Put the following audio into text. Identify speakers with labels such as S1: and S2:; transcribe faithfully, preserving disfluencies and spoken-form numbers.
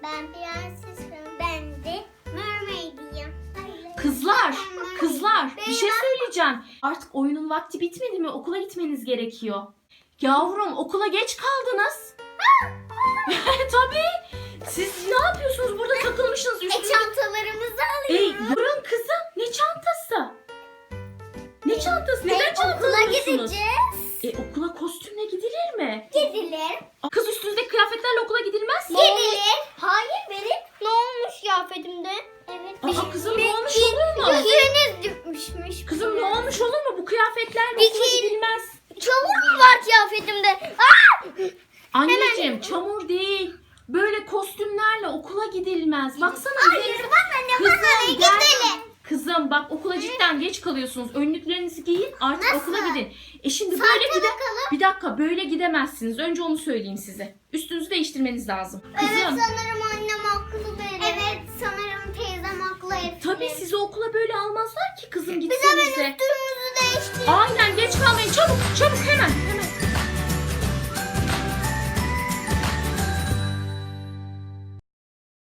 S1: Ben prensesim. Ben de mermaid'iyim.
S2: Kızlar, kızlar bir şey
S1: Benim-
S2: söyleyeceğim. Artık oyunun vakti bitmedi mi? Okula gitmeniz gerekiyor. Yavrum okula geç kaldınız. Tabii. Siz ne yapıyorsunuz? Burada takılmışsınız.
S1: E
S2: Üstünüze...
S1: çantalarımızı
S2: Ey
S1: alıyoruz.
S2: durun kızım. Ne çantası? Ne çantası? Neden
S1: E,
S2: çanta
S1: okula
S2: alıyorsunuz?
S1: gideceğiz.
S2: E okula kostümle gidilir mi?
S1: Gidilir.
S2: Kız üstünüzdeki kıyafetlerle okula gidilmez.
S1: Gidilir. Hayır benim. Ne olmuş kıyafetimde? Evet.
S2: Aa, kızım ne olmuş olur mu?
S1: Yüzünüz düşmüş.
S2: Kızım ne olmuş olur mu? Bu kıyafetlerle
S1: Bir
S2: okula
S1: şey-
S2: gidilmez.
S1: Çamur mu var kıyafetimde? Aa!
S2: Anneciğim çamur değil. Böyle kostümlerle okula gidilmez. Baksana
S1: Hayır
S2: üzerinize-
S1: bana ne
S2: Kızım,
S1: bana ne
S2: gel.
S1: gidelim.
S2: Kızım bak okula cidden geç kalıyorsunuz. Önlüklerinizi giyin artık
S1: Nasıl?
S2: okula gidin. E şimdi
S1: Saate
S2: böyle gide
S1: bakalım.
S2: Bir dakika böyle gidemezsiniz. Önce onu söyleyeyim size. Üstünüzü değiştirmeniz lazım.
S1: Evet
S2: Kızım.
S1: sanırım annem haklı benim. Evet sanırım teyzem haklı Eflin.
S2: Tabii sizi okula böyle almazlar ki kızım
S1: Biz hemen
S2: gitsenize.
S1: üstümüzü değiştirelim.
S2: Aynen geç kalmayın çabuk çabuk hemen hemen.